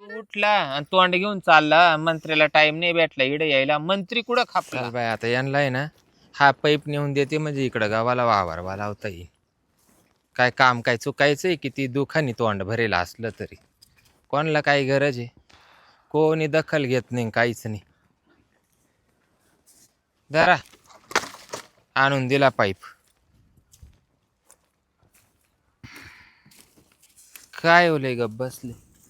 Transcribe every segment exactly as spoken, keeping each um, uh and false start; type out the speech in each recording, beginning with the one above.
उठला आणि तोंड घेऊन चालला. मंत्र्याला टाइम नाही भेटला इकडे यायला. मंत्री कुठं खापला चल बाय आता यांना आहे ना हा पाईप नेऊन देते म्हणजे इकडं गावाला वावरवा लावता येईल. काय काम काय चुकायचंय किती दुखानी तोंड भरेल असलं तरी कोणाला काही गरज आहे. कोणी दखल घेत नाही काहीच नाही. जरा आणून दिला पाईप. काय ओले गप बसले.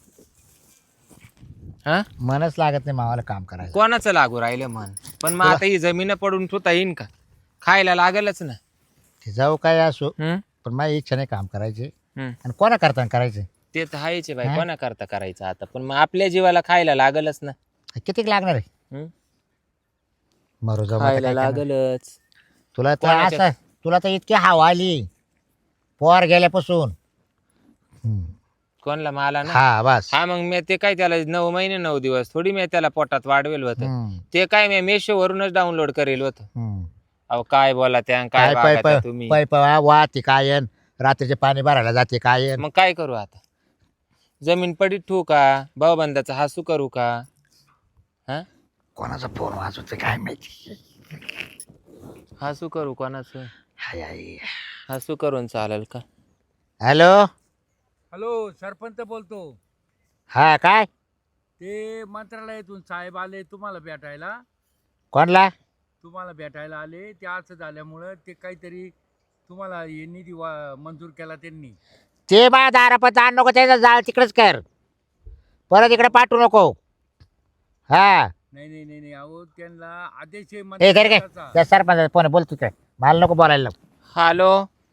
हा मनच लागत नाही मावाला काम करायचं. कोणाचं लागू राहिलं मन. पण मग आता ही जमीन पडून ठेवता येईन का. खायला लागलच ना. ते जाऊ काय असो हम्म पण माझी इच्छा नाही काम करायचे. हम्म आणि कोणा करता करायचे ते तर हायचे बाई. हा? कोणा करता करायचं आता. पण मग आपल्या जीवाला खायला लागलच ना. कितीक लागणार आहे हम्म? मरू जाऊ आता खायला काय करणार? लागलच. तुला तर कोणाच्या- असं तुला तर इतकी हवा आली पोर गेल्यापासून. हम्म. कोणला मला ना. हा बस. हा मग मी ते काय त्याला नऊ महिने नऊ दिवस थोडी मी त्याला पोटात वाढवेल होत. हम्म. ते काय मी मेशो वरूनच डाउनलोड करेल होत. हम्म. अहो काय बोला त्या काय काय वागा त्या पाय तुम्ही. पाय पाय वाहते कायन रात्रीचे पाणी भरायला जाते कायन. मग काय करू आता. जमीन पडीत ठेवू का भाऊबंदाचा हसू करू का. हा कोणाचा फोन वाजवते काय माहिती. हसू करू कोणाचं. हाय, हाय. हसू करून चालेल का. हॅलो हॅलो सरपंच बोलतो. हा काय ते मंत्रालयातून साहेब आले तुम्हाला भेटायला. कोणला तुम्हाला भेटायला आले ते असं झाल्यामुळं ते काहीतरी तुम्हाला हे निधी वा- मंजूर केला त्यांनी. ते बा दारापत आण नको त्याचा जाळ तिकडेच कर परत इकडे पाठवू नको. हा नाही नाही नाही नाही अहो त्यांना आदेश आहे ए घरी काय मंत्रालयाचा. त्या सरपंच फोन बोलतो काय मला नको बोलायला लावू. हॅलो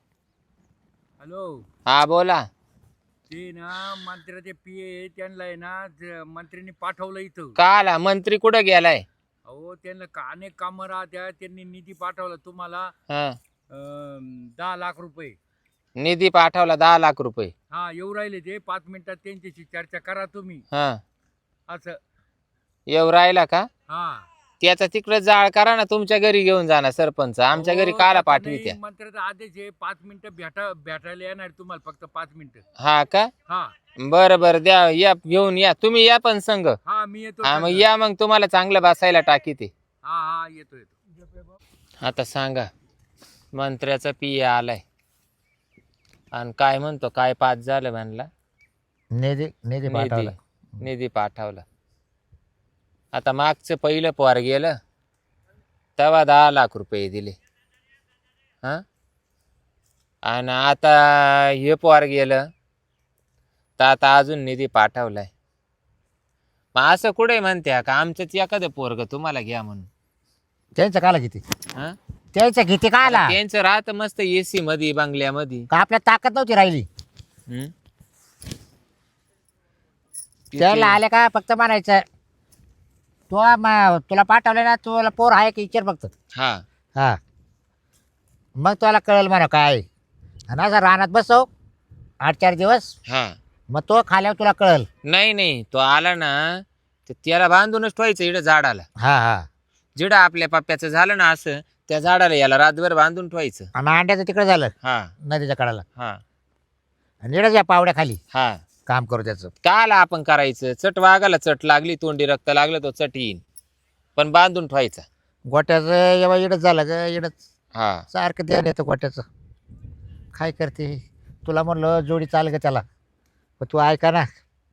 हॅलो हा बोला. ते ना मंत्र्याचे पी ए त्यांना आहे ना ज- मंत्र्यांनी पाठवलं इथं. का आला मंत्री कुठं गेलाय. अहो त्यांना का अनेक कामं राहत्या त्यांनी निधी पाठवला तुम्हाला हा अं, दहा लाख रुपये. निधी पाठवला दहा लाख रुपये. हा येऊ राहिले ते पाच मिनिटात त्यांच्याशी चर्चा करा तुम्ही हा असं. येऊ राहिला का. हा त्याचा तिकडे जाळ करा ना. तुमच्या घरी घेऊन जाणार सरपंच. आमच्या घरी अहो, काला त्याचा पाठवी नाही, त्या. मंत्र्याचा आदेश आहे पाच मिनिटं भेटा भेटायला येणार तुम्हाला फक्त पाच मिनिटं. हा का हा बरं बरं द्या या घेऊन या तुम्ही या पण संघ. हा मी येतो हा मग संग. या मग तुम्हाला चांगलं बसायला टाकी ते. हा हा येतो येतो. आता सांगा मंत्र्याचा पिया आलाय आणि काय म्हणतो काय पाच झालं म्हणला. निधी निधी निधी पाठवला. निधी पाठवला. आता मागचं पहिलं पोर गेलं तेव्हा दहा लाख रुपये दिले. हा आणि आता हे पोर गेलं तर आता अजून निधी पाठवलाय. मग असं कुठे म्हणत्या का आमचंच एखादं पोरग तुम्हाला घ्या म्हणून. त्यांचं काला किती हा त्यांचं किती का आला त्यांचं राहत मस्त एसी मध्ये बंगल्यामध्ये. का आपल्या ताकद नव्हती राहिली. हम्म? त्याला आले का फक्त म्हणायचं तो म- तुला पाठवलं ना तुला पोर आहे की विचार फक्त. हा हा मग तुला कळेल म्हणा काय. आणि असं रानात बसव आठ चार दिवस हा मग तो खाल्यावर तुला कळेल. नाही नाही तो आला ना तर त्याला बांधूनच ठेवायचं इकडं झाडाला. हा हा जिडं आपल्या पप्प्याचं झालं ना असं त्या झाडाला याला रातभर बांधून ठेवायचं. आणि अंड्याचं तिकडे झालं हा नदीच्या कडाला हा आणि इकडे या पावड्या खाली हा काम करू त्याचं. काला आपण करायचं. चट वागाला चट लागली तोंडी रक्त लागलं तो चट येईन पण बांधून ठेवायचा. गोट्याचं एव्हा इडच झालं ग इडच हा सारखं ध्यान येतं गोट्याचं. काय करते तुला म्हणलं जोडी चाल ग त्याला पण तू ऐका ना.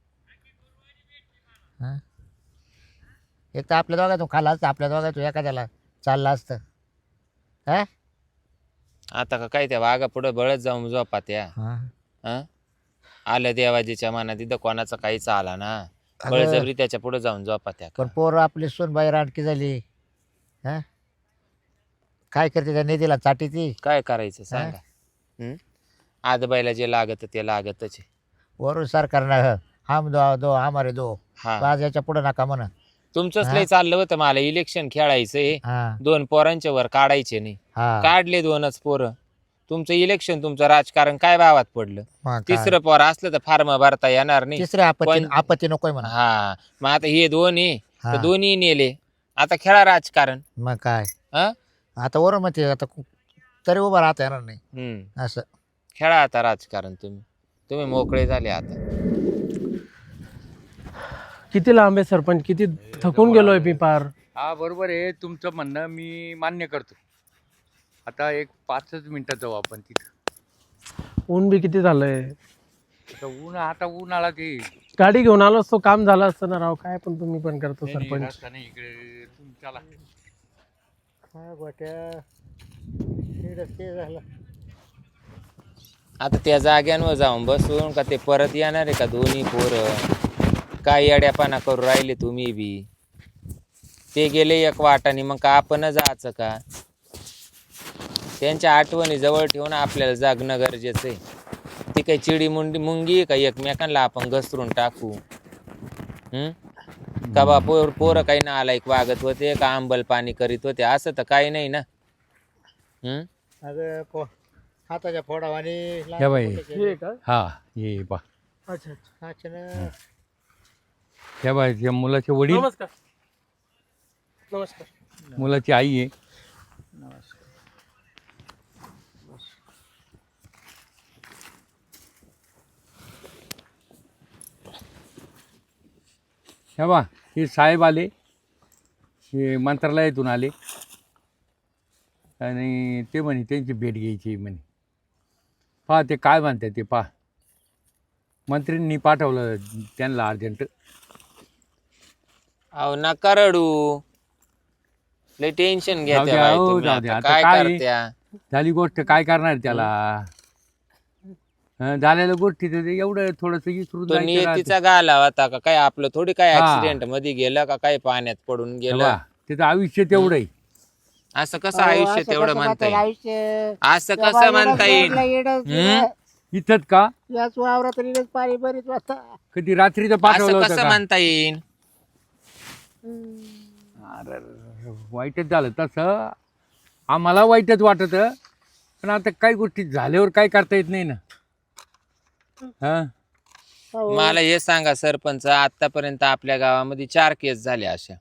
हा? एक तर आपल्या दोघातून खाला असतं आपल्या दोघातून एखाद्याला चाललं असतं. हा आता का काय त्या वाघा पुढे बळत जाऊन झोपा त्या. हा. हा आलं देवाजीच्या मनात तिथं कोणाचा काहीच आला ना अगं. बळजबरी त्याच्या पुढे जाऊन झोपा त्या. पण पोर आपली सोनबाई रानकी झाली. हा काय करते त्या निधीला चाटी ती. काय करायचं सांगा. हम्म आजबाईला जे लागत ते लागतच आहे. वरून सरकारनं हम दो दो हमारे दो हा आज याच्या पुढे नका म्हणा. तुमचंच हा? लय चाललं होतं मला इलेक्शन खेळायचंय. हा दोन पोरांच्या वर काढायचे नाही. हा काढले दोनच पोरं. तुमचं इलेक्शन तुमचं राजकारण काय भावात पडलं. मग काय? तिसरं पोर असलं तर फार्म भरता येणार नाही. तिसऱ्या आपत्ती पण- आपत्ती नकोय म्हणा. हा मग आता हे दोन्ही हा. तर दोन्ही नेले. आता खेळा राजकारण. मग काय हा आता वरून मग ते आता कु- तरी उभं राहता येणार नाही हम्म असं. खेळा आता राजकारण तुम्ही. तुम्ही मोकळे झाले आता. किती लांब आहे सरपंच, किती थकून गेलोय मी पार. हा बरोबर आहे तुमचं म्हणणं, मी मान्य करतो. आता एक पाचच मिनिटात जाऊ आपण तिथं. ऊन बी किती झालंय. आता ऊन आता ऊन आला ते गाडी घेऊन आलो असतो, काम झालं असतं ना राव. काय पण तुम्ही पण करतो नाही, नाही, सरपंच. रस्ता नाही इकडे तुम्ही चला. काय गोट्या ते झालं. आता त्या जाग्यांवर जाऊन बसून का ते परत येणार आहे का दोन्ही पोरं? काय येड्यापाना करू राहिले तुम्ही बी. ते गेले एक वाटाने, मग का आपण जायचं का? त्यांच्या आठवणी जवळ ठेवून आपल्याला जागणं गरजेचं आहे. ती काही चिडी मुंडी मुंगी आहे का एकमेकांना आपण घसरून टाकू? हम्म का बा पोर पोरं काही ना आला एक वागत होते का आंबल पाणी करीत होते? असं तर काही नाही ना. हम्म अगं पो हाताच्या फोडावानी या बाई. हे का? हा ये बा. अच्छा अच्छा. अच्छा ना. या बाई त्या मुलाचे वडील, नमस्कार. नमस्कार. मुलाची आई आहे. हे बा हे साहेब आले, हे मंत्रालयातून आले आणि ते म्हणे त्यांची भेट घ्यायची म्हणे. पहा ते काय म्हणतात ते पहा. मंत्रींनी पाठवलं त्यांना अर्जंट. अहो नका रडू, लय टेन्शन जाऊ घेत्या द्या, बाई हो, तुम्ही. जाऊ द्या. आता आता काय काय? करत्या? झाली गोष्ट, काय करणार त्याला? हं, झालेल्या गोष्टी तर ते एवढं थोडस विसरून तो जायचं राहतं. नियतीचा गाला होता का काय? आपलं थोडी काय हा. ऍक्सिडेंट मध्ये गेलं का काय पाण्यात पडून गेलं? तेव्हा त्याचं आयुष्य तेवढं आहे. असं कसं आयुष्य तेवढं म्हणता येईल? आयुष्य असं कसं म्हणता येईल? हम्म? इथंच का याच वावरात इडच पाणी बरीच वाजता. कधी रात्रीचं असं पाठवलं होतं कसं का? म्हणता येईल? अरे वाईटच झालं तसं. आम्हाला वाईटच वाटत, पण आता काही गोष्टी झाल्यावर काय करता येत नाही ना. हा मला हे सांगा सरपंच, आतापर्यंत आपल्या गावामध्ये चार केस झाल्या अशा.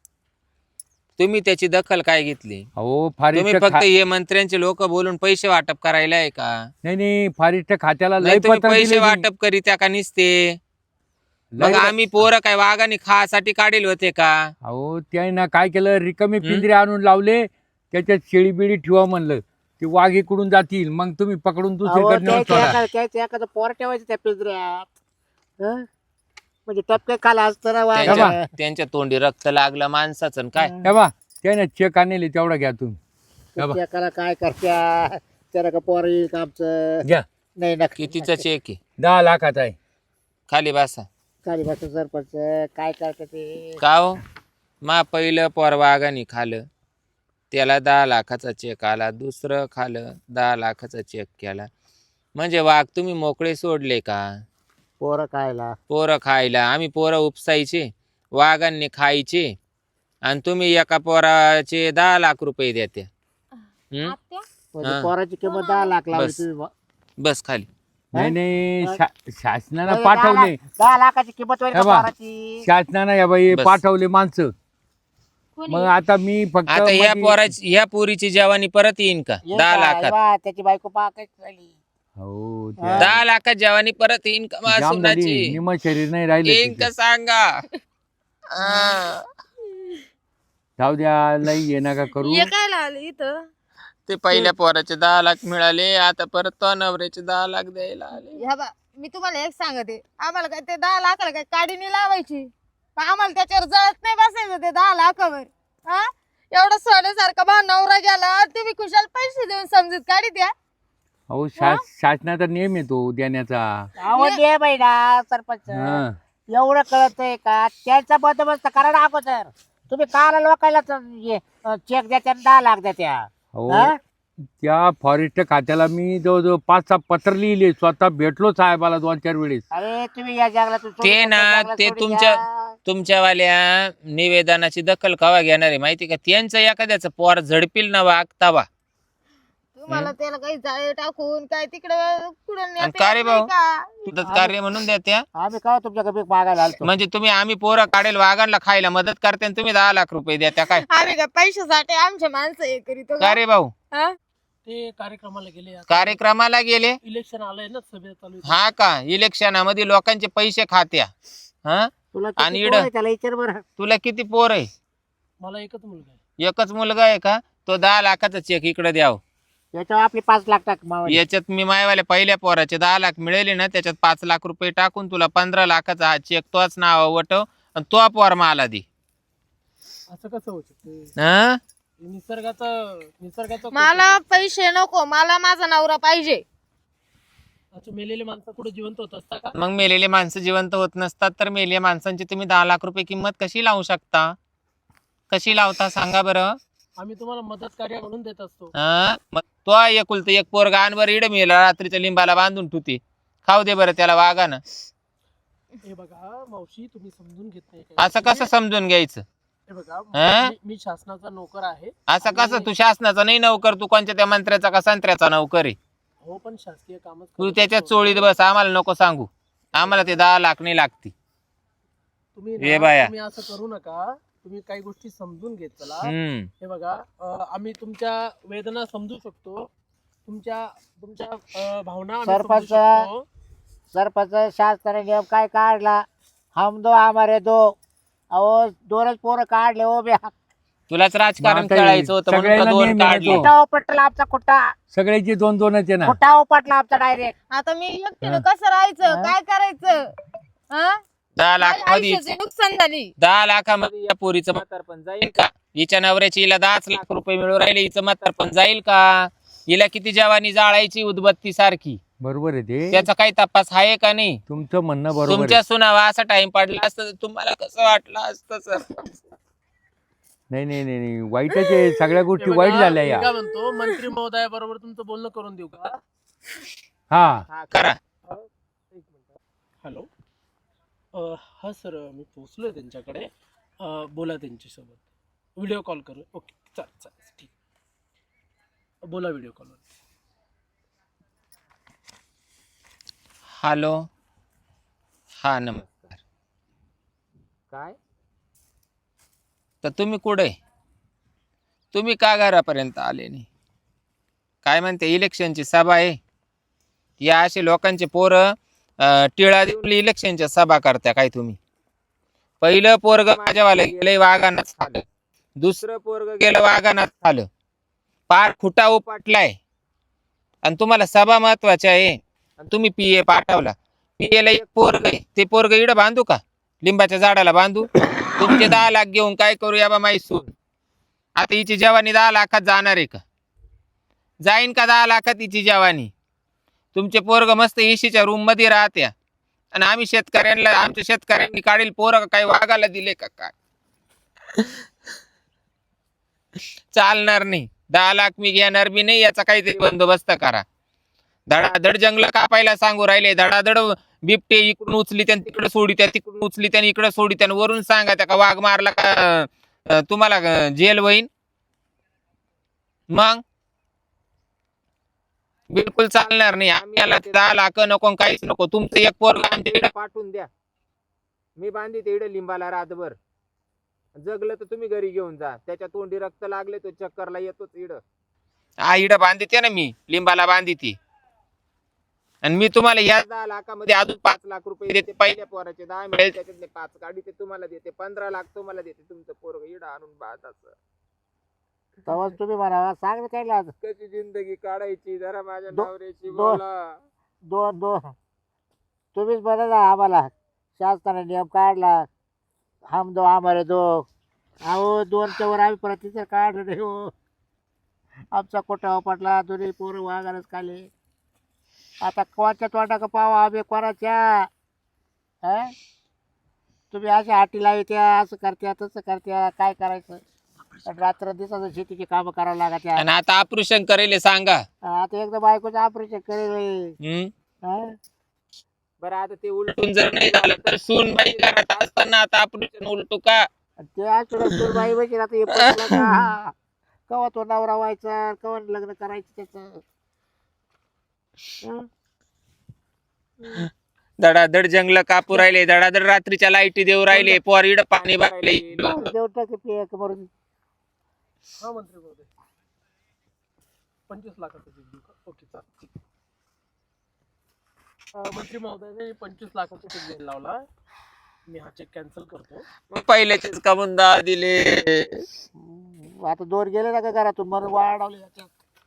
तुम्ही त्याची दखल काय घेतली? अहो फारिस्ट तुम्ही फक्त खा- हे मंत्र्यांचे लोक बोलून पैसे वाटप करायला आहे का? नाही नाही फारिस्ट खात्याला लय नाही तुम्ही पत्र पैसे दिले मी. वाटप करीत्या का निसते? लय- मग आम्ही पोरं काय वाघाने खासाठी काढेल होते का? अहो त्याने काय केलं, रिकामी हं? पिंजरे आणून लावले, त्याच्यात शेळी बिळी ठेवा म्हणलं. ते वाघ इकडून जातील, मग तुम्ही पकडून दुसरीकडे नेऊन सोडा. एखादं पोर ठेवायचं त्या पिंजऱ्यात. हं? म्हणजे टपके खाला असतं ना वाघ. त्यांच्या त्यांच्या तोंडी रक्त लागलं माणसाचं आणि काय? हे बा त्याने चेक आणले तेवढा घ्या तुम्ही. हे बा, एकाला काय करत्या त्याला का पोर येईल का आमचं? घ्या. नाही नक्की कितीचा चेक आहे? दहा लाखाचा आहे. खाली बसा. खाली बसून सरपंच काय करते ते. का हो? मा पहिलं पोर वाघाने खालं, त्याला दहा लाखाचा चेक आला. दुसरं खालं, दहा लाखाचा चेक केला. म्हणजे वाघ तुम्ही मोकळे सोडले का? पोरं खायला पोरं खायला. आम्ही पोरं उपसायचे, वाघांनी खायचे, आणि तुम्ही एका पोराचे दहा लाख रुपये देते. हम्म? म्हणजे हा. पोराची किंमत दहा लाख लावली बस. तुम्ही. बस खाली. नाही नाही शा- शासनानं म्हणजे दहा पाठवले. लाख- दहा लाखाची किंमत होईल का हे बा. पोराची? शासनानं या बाई बस. पाठवले माणसं. मग आता मी फक्त आता ह्या मध्ये- पोराची ह्या पोरीची जवानी परत येईन का? येईल दहा का? लाखात बा, त्याची बायको पाकच झाली. हो ते हा. दहा लाखात जवानी परत येईन का जाम झाली. मासुनाची? निम शरीर नाही राहिले येईन तिचं. का सांगा? आ. जाऊ द्या, लई ये नका करू. हे काय लागलं इथं? ते पहिल्या पोराचे दहा लाख मिळाले, आता परत तो नवऱ्याचे दहा लाख द्यायला आले. ह्या बा मी तुम्हाला एक सांगते, आम्हाला काय ते दहा लाखाला काय काडी नाही लावायची का? आम्हाला त्याच्यावर जळत नाही बसायचं ते दहा लाखावर. हा एवढं सोन्यासारखा बा नवरा गेला, तुम्ही खुशाल पैसे देऊन समजत काढी द्या. अहो शास शासनाचा नियम येतो देण्याचा. अहो दे बाईला सरपंच. हा. एवढं कळतंय का? त्याचा बंदोबस्त करा ना अगोदर. तुम्ही काला लोकायला चेक द्या, दहा लाख द्या त्या. अहो हा? त्या फॉरेस्ट खात्याला मी जवळजवळ पाच सहा पत्र लिहिले, स्वतः भेटलो साहेबाला दोन चार वेळेस. अरे तुम्ही या जंगलातून सोडून ते त्या ना जंगलात ते सोडून तुमच्या या. तुमच्यावाल्या निवेदनाची दखल कवा घेणार आहे माहिती का? त्यांचं एखाद्याचं पोर झडपील ना वागतावा. तुम्हाला त्याला काही जाळे टाकून काय तिकडे कुठं आणि का रे भाऊ? कार्य म्हणून द्या त्या. आम्ही का तुमच्या कमी मागायला आलतो. म्हणजे तुम्ही आम्ही पोरं काढेल वाघांना खायला मदत करते आणि तुम्ही दहा लाख रुपये द्या त्या काय? आम्ही काय पैशासाठी आमच्या माणसं हे करीतो का रे भाऊ? हा? ते कार्यक्रमाला गेले. आता कार्यक्रमाला गेले. इलेक्शन आलंय ना, सभा चालू आहे. हा का? इलेक्शनामध्ये लोकांचे पैसे खात्या. हा तुला आणि किती इड- पोरं आहे त्याला विचार बरं. तुला किती पोर आहे? मला एकच मुलगा आहे. एकच मुलगा आहे का? तो दहा लाखाचा चेक इकडे द्याव. याच्यावर आपली पाच लाख टाक मावाली. याच्यात मी मायवाल्या पहिल्या पोराचे दहा लाख मिळेले ना, त्याच्यात पाच लाख रुपये टाकून तुला पंधरा लाखाचा हा चेक तोच नाव वटव आणि तो पोर मला दे. असं कसं होऊ शकते? हं? निसर्गाचं निसर्गाचं मला पैसे नको, मला माझा नवरा पाहिजे. अच्छा, मेलेले माणसं कुठे जिवंत होत असता का? मग मेलेले माणसं जिवंत होत नसतात तर मेलेल्या माणसांची तुम्ही दहा लाख रुपये किंमत कशी लावू शकता? कशी लावता सांगा बरं? आम्ही तुम्हाला मदत कार्य म्हणून देत असतो. हं? मग तो एकुलत एक पोरगा आणवर इड मेला रात्रीच्या लिंबाला बांधून ठुती. खाऊ दे बरं त्याला वागानं. हे बघा मावशी, तुम्ही समजून घेत नाही काही. असं कसं समजून घ्यायचं? हे बघा, हं? मी- मी शासनाचा नोकर आहे. असं कसं? तू शासनाचा नाही नोकर, तू कोणत्या त्या मंत्र्याचा का संत्र्याचा नोकर आहे? हो, पण शासकीय कामच तू करत त्याच्या असतो. चोळीत बस, आम्हाला नको सांगू. आम्हाला ते दहा लाख नाही लागती. तुम्ही ये ना, बाया. तुम्ही असं करू नका. तुम्ही काही गोष्टी समजून घेत चला. हम्म. हे बघा, अं, आम्ही तुमच्या वेदना समजू शकतो, तुमच्या तुमच्या अं, भावना आम्ही समजू सरपंच. शकतो. सरपंच शासनाने नियम काय काढला? हम दो हमारे दो. अहो दोनच पोरं काढले हो बे. तुलाच राजकारण मग आता खेळायचं होतं म्हणून का सगळ्यांना दोन नेहमी काढले. येतो. कुठा उपटला आमचा कुठा. सगळ्याचे दोन दोनच आहे ना. कुठा उपटला आमचा डायरेक्ट. आता मी एकटीनं कसं राहायचं, हं? काय करायचं? हं? दहा लाख माझ्या मध्ये आयुष्याची नुकसान झाली. दहा लाखामध्ये या पोरीचं म्हातारपण जाईल का? हिच्या नवऱ्याची हिला दहाच लाख रुपये मिळू राहिले, हिचं म्हातारपण जाईल का? हिला किती जवानी जाळायची उदबत्ती सारखी, बरोबर आहे ते. त्याचा काही तपास आहे का नाही? तुमचं म्हणणं बरोबर आहे. तुमच्या सुनावा असा टाइम पडला असतं तर तुम्हाला कसं वाटलं असतं सर? नाही नाही नाही नाही, वाईटच आहे. सगळ्या गोष्टी हे वाईट बघा, झाल्या मी या. काय म्हणतो, मंत्री महोदया बरोबर तुमचं बोलणं करून देऊ का? हा हा, करा. एक मिनिट. हॅलो. अं, हा सर, मी पोचलोय त्यांच्याकडे. अं, बोला त्यांच्यासोबत. व्हिडिओ कॉल करू. ओके, चालेल चालेल, ठीक. बोला व्हिडिओ कॉलवर. हॅलो. हा नमस्कार. काय? तर तुम्ही कुठे? तुम्ही का घरापर्यंत आले नाही? काय म्हणते, इलेक्शनची सभा आहे? या असे लोकांचे पोरं अं, टिळा देऊन इलेक्शनच्या सभा करत्या काय तुम्ही? पहिलं पोरग माझ्यावालं गेलंय वाघानात खालं, दुसरं पोरग गेलं वाघानात खालं, पार खुटा उपाटलाय आणि तुम्हाला सभा महत्वाची आहे आणि तुम्ही पीए पाठवला. पीएला एक पोरग आहे, ते पोरग इडं बांधू का? लिंबाच्या झाडाला बांधू? तुमचे दहा लाख घेऊन काय करू या बा माहिसून? आता हिची जवानी दहा लाखात जाणार आहे का? जाईन का दहा लाखात हिची जवानी? तुमचे पोरग मस्त एसीच्या रूम मध्ये राहत्या आणि आम्ही शेतकऱ्यांना, आमच्या शेतकऱ्यांनी काढील पोरग काय वाघाला दिले का काय? चालणार नाही. दहा लाख मी घेणार बी नाही, याचा काहीतरी बंदोबस्त करा. धडाधड जंगल कापायला सांगू राहिले, धडाधड बिबटे इकडून उचली त्यान तिकडे सोडी त्या, तिकडून उचली त्याने इकडे सोडी त्यान, वरून सांगा त्या का वाघ मारला का अं, तुम्हाला अं, जेल होईन? मग बिलकुल चालणार नाही. आम्ही याला ते दहा लाख नको, काहीच नको. तुमचं एक पोरग आमच्या इकडे पाठवून द्या, मी बांधी ते इकडे लिंबाला रातभर. जगलं तर तुम्ही घरी घेऊन जा. त्याच्या तोंडी रक्त लागले तो चक्करला येतोच इड. हा इड बांधिते ना मी, लिंबाला बांधिते. आणि मी तुम्हाला या दहा लाखामध्ये अजून पाच लाख रुपये देते. पहिल्या पोराचे दहा मिळेल, त्याच्यातले पाच गाडी ते तुम्हाला देते, पंधरा लाख तुम्हाला देते. तुमचं पोरग इड आणून बांधाचं. तेव्हाच तुम्ही म्हणावा, सांग ना त्याला. कशी जिंदगी काढायची जरा माझ्या दो- नवऱ्याची दो- बोला. दोन दोन तुम्हीच बरं ना आम्हाला. शासनाने नियम काढला, हम दो हमारे दो. अहो दोनच्या वर आम्ही प्रतिसाद काढलं नाही हो. आमचा कोटा पटला, दोन्ही पोरं वाघारच खाले. आता कोणाच्या तोंडा का पावा आम्ही कोणाच्या? हा तुम्ही अशा हाटी लावी त्या, असं करत्या तसं करत्या, काय करायचं? रात्र दिवसाचं शेतीची कामं करावं लागत. आणि आता ऑपरेशन करेल सांगा. आता एकदा बायकोचं ऑपरेशन करेल. हम्म. हा? बरं आता ते उलटून जर नाही झालं तर सून बाई घरात असताना आता ऑपरेशन उलटू का? ते आठवड्यात बाई बघील आता हे पटलं का? कवा तो नवरा व्हायचा, कवा लग्न करायचं त्याच. धडाधड जंगल कापू राहिले, धडाधड रात्रीच्या लाईटी देऊ राहिले, पोरीड पाणी भरायले. देऊ टाके पे मरून. हा मंत्री महोदय, पंचवीस लाखाचं चेक देऊ का? ओके, चालेल. अं, मंत्री महोदयाने पंचवीस लाखाचा चेक द्यायला लावला. मी हा चेक कॅन्सल करतो. मग पहिल्याचेच का म्हणून दहा दिले? हम्म, आता दोन गेले ना का घरातून म्हणून वाढवले याच्यात.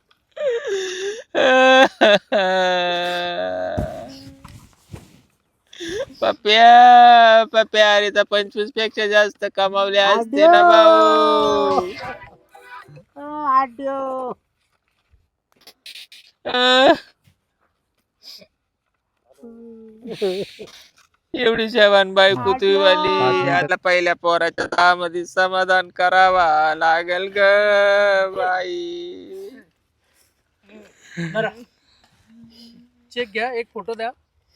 पप्या पप्या अरे तर पंचवीस पेक्षा जास्त कमावले असते ना भाऊ. आड्यो एवढी शेवान बायको तुझी वाली, आता पहिल्या पोराच्या दहा मध्ये समाधान करावा लागेल ग बाई. बरं चेक घ्या, एक फोटो द्या.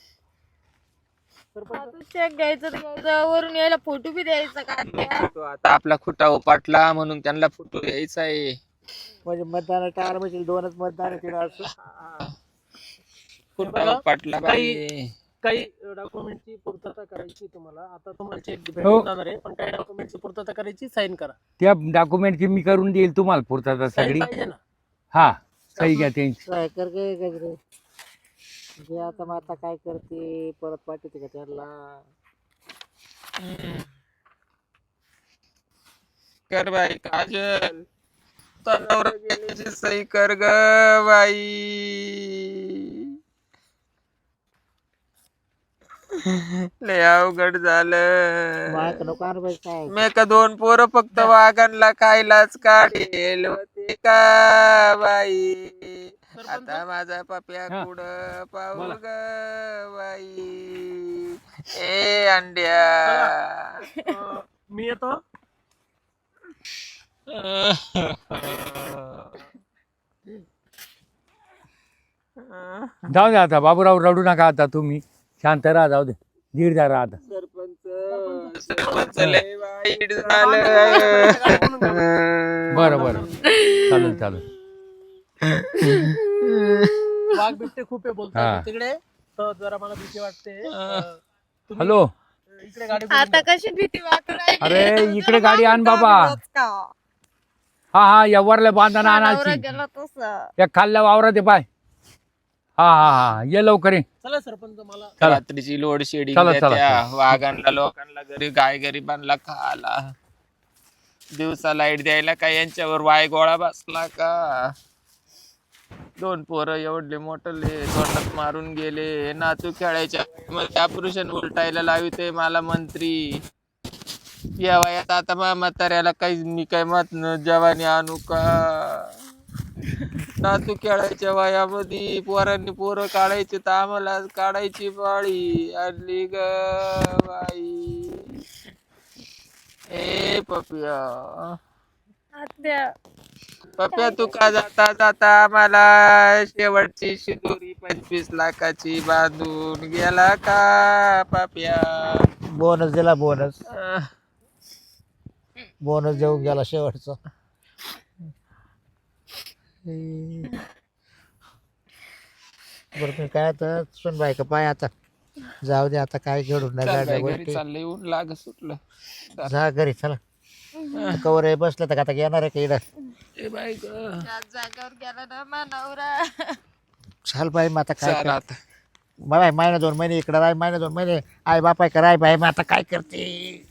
सरपंच चेक घ्यायचं तर घ्यायचं, वरून यायला फोटो बी द्यायचा का? तो आता आपला खुटा उपाटला म्हणून त्यांना फोटो द्यायचा आहे. म्हणजे मतदान टाळ म्हणजे दोनच मतदान केलं असं. खुटा उपाटला बाई. काही डॉक्युमेंटची पूर्तता करायची तुम्हाला. आता तुम्हाला चेक हो. भेटून जाणार आहे, पण काही डॉक्युमेंटची पूर्तता करायची, साईन करा. त्या डॉक्युमेंटची मी करून देईल तुम्हाला पुरता साईन सगळी. पाहिजे ना. हा सही घ्या त्यांची. काय कर गे गजरे जे आता मग आता काय करते परत पाठवते का त्याला. कर बाई काजल, तनावर गेल्याची सही कर ग बाई. लय अवघड झालं. मायक नको आणू बाई काय. मी का दोन पोरं फक्त वाघांना खायलाच काढेल होते का बाई. आता माझा पप्या हा. कुठं पाहू बोला. ग बाई. ए अंड्या. अं, मी येतो. जाऊ द्या आता बाबूराव, रडू नका आता तुम्ही. शांत राहा, जाऊ दे. धीर द्या राहा आता. सरपंच सरपंच लय वाईट झालं. बरं बरं चालेल चालेल. वाघ बिबटे खूप आहे हा. बोलतात तिकडे, तर जरा मला भीती वाटते. अं, तुम्ही हॅलो, इकडे गाडी फिरवून आता द्या. कशी भीती वाटू राहिली. अरे, इकडे तुला गाडी आण मागून बाबा. जाऊन का? हा हा या वरल्या बांधाना नवरा आणायची. गेला तसं. या खाल्ल्या वावरात आहे पाय. हा हा हा ये लवकर ये. चला सरपंच, मला चला. रात्रीची लोड शेडिंग चला, चला, त्या चला. वाघांना लोकांना घरी गाय गरिबांना खाला. दिवसा लाईट द्यायला का यांच्यावर वाय गोळा बसला का. दोन पोरं एवढले मोठले तोंडात मारून गेले. नातू खेळायच्या मध्ये ऑपरेशन उलटायला लाविते मला मंत्री. या वयात आता मा म्हाताऱ्याला काही मी काय मत जवानी आणू का. नातू खेळायच्या वयामध्ये पोरांनी पोरं काढायचे तर आम्हाला काढायची पाळी आली ग बाई. ए पप्या आत्या. पप्या तू का जाता जाता मला शेवटची शिदोरी पंचवीस लाखाची बांधून गेला का पप्या. बोनस दिला बोनस अं, बोनस देऊन गेला शेवटचा. बरं मी काय आता सुन बाय का पाय आता जाऊ दे आता काय घडून नाही चल गाड्या बाई, घरी गोष्टी. चाललंय ऊन लाग सुटलं. जा घरी चला. कवर आहे बसलं तर आता येणार आहे का इकडं. ए बाई ग त्याच जागेवर गेला ना मा नवरा. चाल बाई मग आता काय चल कर. आता बाय महिना दोन महिने इकडं राय महिना दोन महिने आई बापाय कराय बाई मग आता काय करते.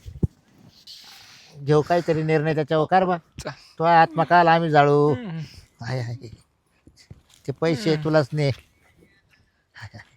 घेऊ काहीतरी निर्णय त्याच्यावर कर बा. चल. तो आत्मा काल आम्ही जाळू. आहे आहे ते पैसे तुलाच ने.